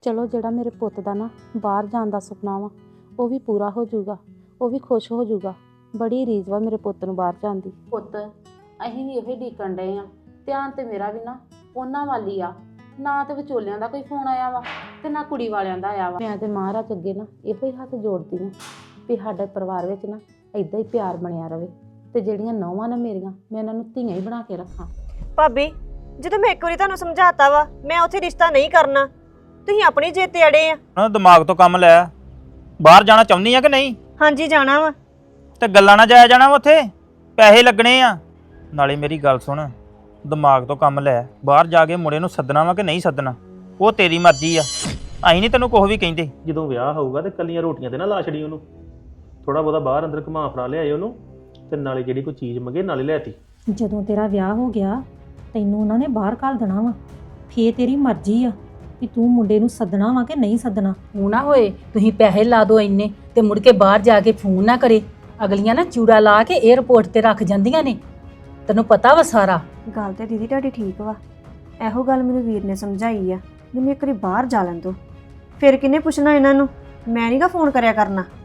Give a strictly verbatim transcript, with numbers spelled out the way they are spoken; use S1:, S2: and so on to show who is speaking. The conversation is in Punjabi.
S1: ਚਲੋ ਜਿਹੜਾ ਮੇਰੇ ਪੁੱਤ ਦਾ ਨਾ ਬਾਹਰ ਜਾਣ ਦਾ ਸੁਪਨਾ ਵਾ ਉਹ ਵੀ ਪੂਰਾ ਹੋ ਜਾਊਗਾ, ਉਹ ਵੀ ਖੁਸ਼ ਹੋ ਜਾਊਗਾ। ਬੜੀ ਰੀਝ ਵਾ ਮੇਰੇ ਪੁੱਤ ਨੂੰ ਬਾਹਰ ਜਾਣ ਦੀ। ਪੁੱਤ ਅਸੀਂ ਵੀ ਉਹੀ ਡੀਕਣ ਡਏ ਆ, ਧਿਆਨ ਤੇ ਮੇਰਾ ਵੀ ਨਾ ਉਹਨਾਂ ਵੱਲ ਹੀ ਆ। ਨਾ ਤੇ ਵਿਚੋਲਿਆਂ ਦਾ ਕੋਈ ਫੋਨ ਆਇਆ ਵਾ ਤੇ ਨਾ ਕੁੜੀ ਵਾਲਿਆਂ ਦਾ ਆਇਆ ਵਾ। ਮੈਂ ਤੇ ਮਹਾਰਾਜ ਅੱਗੇ ਨਾ ਇਹੋ ਹੀ ਹੱਥ ਜੋੜਦੀ ਆ ਵੀ ਸਾਡੇ ਪਰਿਵਾਰ ਵਿੱਚ ਨਾ ਏਦਾਂ ਹੀ ਪਿਆਰ ਬਣਿਆ ਰਵੇ ਤੇ ਜਿਹੜੀਆਂ ਨੌਵਾਂ ਨਾ ਮੇਰੀਆਂ ਮੈਂ ਇਹਨਾਂ ਨੂੰ ਧੀਆਂ ਹੀ ਬਣਾ ਕੇ ਰੱਖਾਂ।
S2: ਭਾਬੀ ਜਦੋਂ ਮੈਂ ਇੱਕ ਵਾਰੀ ਤੁਹਾਨੂੰ ਸਮਝਾਤਾ ਵਾ ਮੈਂ ਉੱਥੇ ਰਿਸ਼ਤਾ ਨਹੀਂ ਕਰਨਾ, ਤੁਸੀਂ ਆਪਣੀ ਜਿੱਦ ਤੇ ਅੜੇ ਆ।
S3: ਉਹਨਾਂ ਦਿਮਾਗ ਤੋਂ ਕੰਮ ਲੈ। ਬਾਹਰ ਜਾਣਾ ਚਾਹੁੰਦੀ ਆ ਕਿ ਨਹੀਂ?
S2: ਹਾਂਜੀ ਜਾਣਾ ਵਾ।
S3: ਤੇ ਗੱਲਾਂ ਨਾ ਜਾਇਆ ਜਾਣਾ ਵਾ, ਉੱਥੇ ਪੈਸੇ ਲੱਗਣੇ ਆ। ਨਾਲੇ ਮੇਰੀ ਗੱਲ ਸੁਣ, ਦਿਮਾਗ ਤੋਂ ਕੰਮ ਲੈ। ਬਾਹਰ ਜਾ ਕੇ ਮੁੰਡੇ ਨੂੰ ਸੱਦਣਾ ਵਾ ਕਿ ਨਹੀਂ ਸੱਦਣਾ ਉਹ ਤੇਰੀ ਮਰਜ਼ੀ ਆ, ਅਸੀਂ ਨਹੀਂ ਤੈਨੂੰ ਕੁਛ ਵੀ ਕਹਿੰਦੇ।
S4: ਜਦੋਂ ਵਿਆਹ ਹੋਊਗਾ ਤੇ ਕੱਲੀਆਂ ਰੋਟੀਆਂ ਤੇ ਨਾ ਲਾ ਛੜੀ ਉਹਨੂੰ, ਥੋੜਾ ਬਹੁਤਾ ਬਾਹਰ ਅੰਦਰ ਘੁਮਾ ਫੜਾ ਲਿਆਏ ਉਹਨੂੰ, ਤੇ ਨਾਲੇ ਜਿਹੜੀ ਕੋਈ ਚੀਜ਼ ਮੰਗੇ ਨਾਲੇ ਲੈਤੀ।
S5: ਜਦੋਂ ਤੇਰਾ ਵਿਆਹ ਹੋ ਗਿਆ ਤੈਨੂੰ ਉਹਨਾਂ ਨੇ ਬਾਹਰ ਘੱਲ ਦੇਣਾ ਵਾ, ਫੇਰ ਤੇਰੀ ਮਰਜ਼ੀ ਆ ਕਿ ਤੂੰ ਮੁੰਡੇ ਨੂੰ ਸੱਦਣਾ ਵਾ ਕਿ ਨਹੀਂ ਸੱਦਣਾ।
S6: ਉਹ ਨਾ ਹੋਏ ਤੁਸੀਂ ਪੈਸੇ ਲਾ ਦਿਓ ਇੰਨੇ ਤੇ ਮੁੜ ਕੇ ਬਾਹਰ ਜਾ ਕੇ ਫੋਨ ਨਾ ਕਰੇ। ਅਗਲੀਆਂ ਨਾ ਚੂੜਾ ਲਾ ਕੇ 에ਅਰਪੋਰਟ ਤੇ ਰੱਖ ਜਾਂਦੀਆਂ ਨੇ, ਤੈਨੂੰ ਪਤਾ ਵਾ ਸਾਰਾ।
S2: ਗੱਲ ਤੇ ਦੀਦੀ ਤੁਹਾਡੀ ਠੀਕ ਵਾ, ਇਹੋ ਗੱਲ ਮੈਨੂੰ ਵੀਰ ਨੇ ਸਮਝਾਈ ਆ। ਮੈਨੂੰ ਇੱਕ ਵਾਰੀ ਬਾਹਰ ਜਾ ਲੈਣ ਦੋ, ਫਿਰ ਕਿਹਨੇ ਪੁੱਛਣਾ ਇਹਨਾਂ ਨੂੰ। ਮੈਂ ਨਹੀਂਗਾ ਫੋਨ ਕਰਿਆ ਕਰਨਾ।